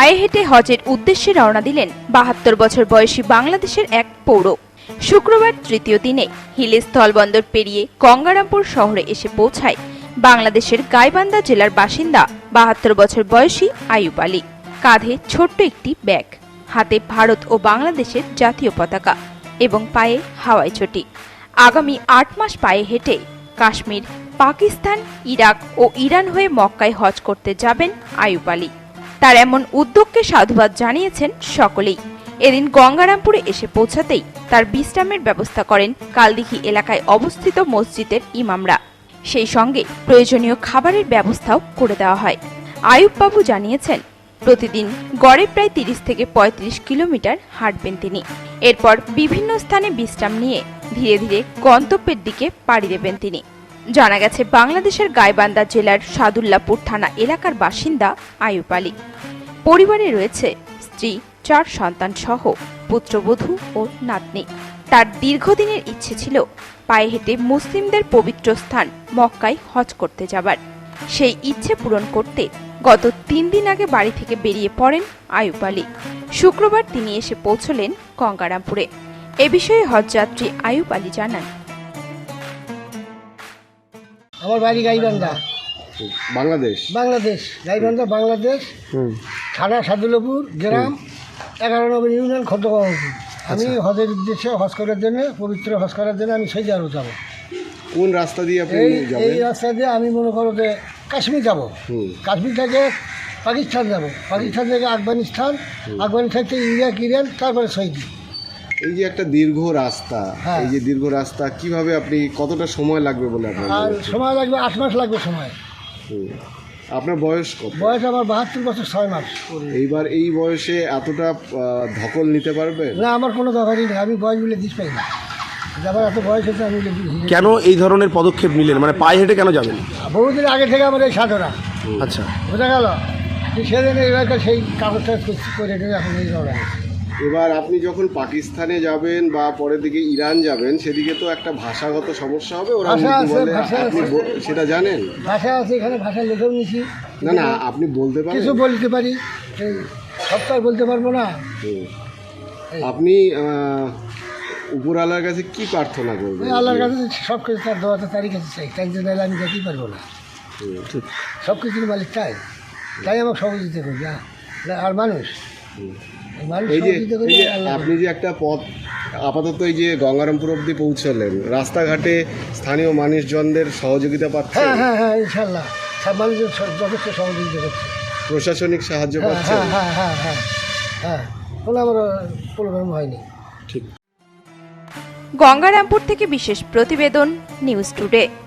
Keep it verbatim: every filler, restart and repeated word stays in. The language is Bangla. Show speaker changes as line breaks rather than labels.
পায়ে হেঁটে হজের উদ্দেশ্যে রওনা দিলেন বাহাত্তর বছর বয়সী বাংলাদেশের এক পৌর। শুক্রবার তৃতীয় দিনে হিলি স্থলবন্দর পেরিয়ে গঙ্গারামপুর শহরে এসে পৌঁছায় বাংলাদেশের গাইবান্ধা জেলার বাসিন্দা বাহাত্তর বছর বয়সী আইয়ুব আলী। কাঁধে ছোট্ট একটি ব্যাগ, হাতে ভারত ও বাংলাদেশের জাতীয় পতাকা এবং পায়ে হাওয়াই চটি। আগামী আট মাস পায়ে হেঁটে কাশ্মীর, পাকিস্তান, ইরাক ও ইরান হয়ে মক্কায় হজ করতে যাবেন আইয়ুব আলী। তার এমন উদ্যোগকে সাধুবাদ জানিয়েছেন সকলেই। এদিন গঙ্গারামপুরে এসে পৌঁছাতেই তার বিশ্রামের ব্যবস্থা করেন কালদিঘি এলাকায় অবস্থিত মসজিদের ইমামরা। সেই সঙ্গে প্রয়োজনীয় খাবারের ব্যবস্থাও করে দেওয়া হয়। আইয়ুব বাবু জানিয়েছেন, প্রতিদিন গড়ে প্রায় তিরিশ থেকে পঁয়ত্রিশ কিলোমিটার হাঁটবেন তিনি। এরপর বিভিন্ন স্থানে বিশ্রাম নিয়ে ধীরে ধীরে গন্তব্যের দিকে পাড়ি দেবেন তিনি। জানা গেছে, বাংলাদেশের গাইবান্ধা জেলার সাদুল্লাপুর থানা এলাকার বাসিন্দা আইয়ুব আলী। পরিবারে রয়েছে স্ত্রী, চার সন্তান সহ পুত্রবধূ ও নাতনি। তার দীর্ঘদিনের ইচ্ছে ছিল পায়ে হেঁটে মুসলিমদের পবিত্র স্থান মক্কায় হজ করতে যাবার। সেই ইচ্ছে পূরণ করতে গত তিন দিন আগে বাড়ি থেকে বেরিয়ে পড়েন আইয়ুব আলী। শুক্রবার তিনি এসে পৌঁছলেন গঙ্গারামপুরে। এ বিষয়ে হজযাত্রী আইয়ুব আলী জানান,
আমার বাড়ি গাইবান্ধা,
বাংলাদেশ।
বাংলাদেশ গাইবান্ধা বাংলাদেশ, থানা সাদুল্লাপুর, গ্রাম এগারো নম্বর ইউনিয়ন, খদ্দগাঁওপুর। আমি হজের উদ্দেশ্যে হজ করার জন্য, পবিত্র হজ করার জন্য আমি সৌদি আরব যাবো।
কোন রাস্তা দিয়ে আপনি যাবেন?
এই রাস্তা দিয়ে আমি মনে করো যে কাশ্মীর যাব। কাশ্মীর থেকে পাকিস্তান যাব, পাকিস্তান থেকে আফগানিস্তান, আফগানিস্তান থেকে ইরাক, ইরান, তারপরে সৌদি।
এই যে একটা দীর্ঘ রাস্তা, এই যে দীর্ঘ রাস্তা কিভাবে আপনি, কতটা সময় লাগবে বলে আপনার?
আর সময় লাগবে আট মাস লাগবে সময়।
আপনার বয়স কত?
বয়স আমার বাহাত্তর বছর ছয় মাস।
এইবার এই বয়সে এতটা ধকল নিতে পারবে?
না, আমার কোনো দরকারই নেই, আমি বয়স বলে দিস পাই না। যাবার এত বয়স হচ্ছে আমি।
কেন এই ধরনের পদক্ষেপ নিলেন, মানে পায়ে হেঁটে কেন যাবেন?
বহুদিন আগে থেকে আমার এই সাধনা।
আচ্ছা,
বোঝা গেল, সেদিন এবারকার সেই কাগজটা করে এখন এই ধরা।
এবার আপনি যখন পাকিস্তানে যাবেন বা পরের দিকে ইরান যাবেন, সেদিকে তো একটা ভাষাগত সমস্যা হবে। ওরা সেটা জানেন?
ভাষা আছে, এখানে ভাষা লেখেও নিছি।
না না, আপনি বলতে পারেন? কিছু
বলতে পারি, সেই সবটাই বলতে পারবো না।
আপনি উপরওয়ালার কাছে কি প্রার্থনা করবেন?
আল্লাহর কাছে সব কিছু তার দোয়াতে তারই কাছে চাই, তাই জন্য আমি যেতেই পারবো না। সব কিছুর মালিক তাই, তাই আমাকে সহযোগিতা করবে। আর মানুষ
এই যে আপনি যে একটা পথ আপাতত এই যে গঙ্গারামপুর অবধি পৌঁছলেন, রাস্তাঘাটে স্থানীয় মানুষজনদের সহযোগিতা পাচ্ছেন?
হ্যাঁ হ্যাঁ হ্যাঁ ইনশাল্লাহ সব মানুষজন যথেষ্ট সহযোগিতা করছে।
প্রশাসনিক সাহায্য পাচ্ছে?
হ্যাঁ হ্যাঁ হ্যাঁ হ্যাঁ হ্যাঁ কোনো আমার প্রবলেম হয়নি।
ঠিক।
গঙ্গারামপুর থেকে বিশেষ প্রতিবেদন, নিউজ টুডে।